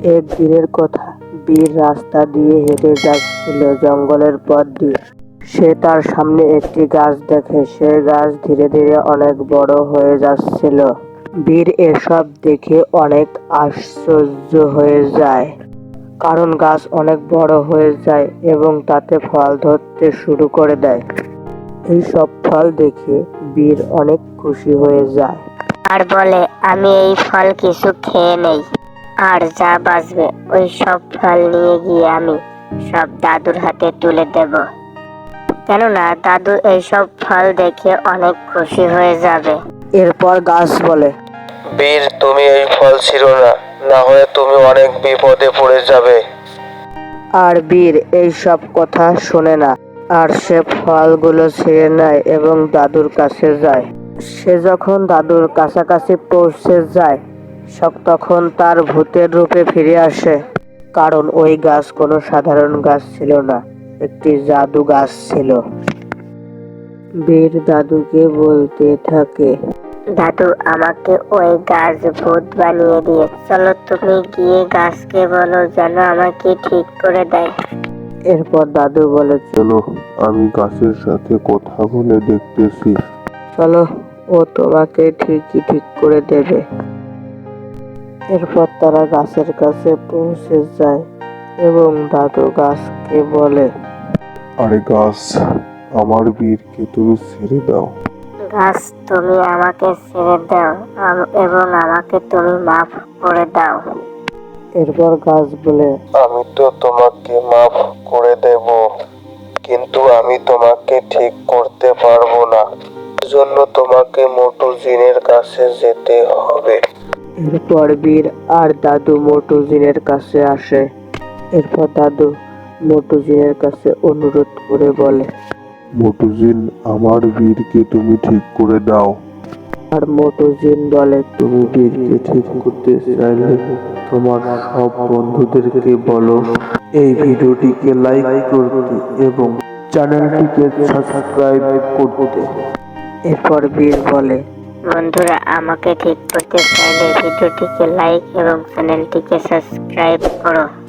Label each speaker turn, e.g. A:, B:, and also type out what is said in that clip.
A: একদিনের কথা, বীর রাস্তা দিয়ে হেঁটে যাচ্ছিল জঙ্গলের পথ দিয়ে। সে তার সামনে একটি গাছ দেখে। সে গাছ ধীরে ধীরে অনেক বড় হয়ে যাচ্ছিল। বীর এসব দেখে অনেক আশ্চর্য হয়ে যায়, কারণ গাছ অনেক বড় হয়ে যায় এবং তাতে ফল ধরতে শুরু করে দেয়। এই সব ফল দেখে বীর অনেক খুশি হয়ে যায়
B: আর বলে, আমি এই ফল কিছু খেয়ে নেই, আর যা বাঁচবে ওই সব ফল নিয়ে গিয়ে আমি সব দাদুর হাতে তুলে দেব, কেননা দাদু এইসব ফল দেখে অনেক খুশি হয়ে যাবে।
A: এরপর গাছ বলে,
C: বীর, তুমি এই ফল ছিঁড়ো না, না হলে তুমি অনেক বিপদে পড়ে যাবে।
A: আর বীর এই সব কথা শোনে না, আর সে ফলগুলো ছিঁড়ে নেয় এবং দাদুর কাছে যায়। সে যখন দাদুর কাছাকাছি পৌঁছে যায়, তখন তার ভূতের রূপে ফিরে আসে, কারণ ওই গাছ কোনো সাধারণ গাছ ছিল না, একটি জাদু গাছ ছিল। বীর দাদুকে বলতে থাকে,
B: দাদু, আমাকে ওই গাছ ভূত বানিয়ে দিয়ে, চলো তুমি গিয়ে গাছকে বলো যেন আমাকে ঠিক করে দেয়।
A: এরপর দাদু বলে,
D: চলো, আমি গাছের সাথে কথা বলে দেখতেছি।
A: চলো, ও তোমাকে ঠিকই ঠিক করে দেবে। এরপর তারা গাছের কাছে পৌঁছে যায় এবং দাদু গাছকে বলে,
D: আরে গাছ, আমার বীরকে তুমি ছেড়ে দাও।
B: গাছ, তুমি আমাকে ছেড়ে দাও এবং আমাকে তুমি মাফ করে দাও।
A: এরপর গাছ বলে,
C: আমি তো তোমাকে মাফ করে দেব, কিন্তু আমি তোমাকে ঠিক করতে পারবো না। জন্য তোমাকে মোটু জিনের কাছে যেতে হবে।
A: এরপর বীর আর দাদু মোটু জিনের কাছে আসে। এরপর দাদু মোটু জিনের কাছে অনুরোধ করে বলে,
D: মোটু জিন, আমার বীরকে তুমি ঠিক করে দাও।
A: আর মোটু জিন বলে,
D: তুমি বীরকে ঠিক করতে চাইলে তোমার সব বন্ধুদেরকে বলো এই ভিডিওটিকে লাইক করতে এবং চ্যানেলটিকে সাবস্ক্রাইব করতে।
A: এরপর বীর বলে,
B: বন্ধুরা, আমাকে ঠিক করতে চাইলে ভিডিওটিকে লাইক এবং চ্যানেলটিকে সাবস্ক্রাইব করো।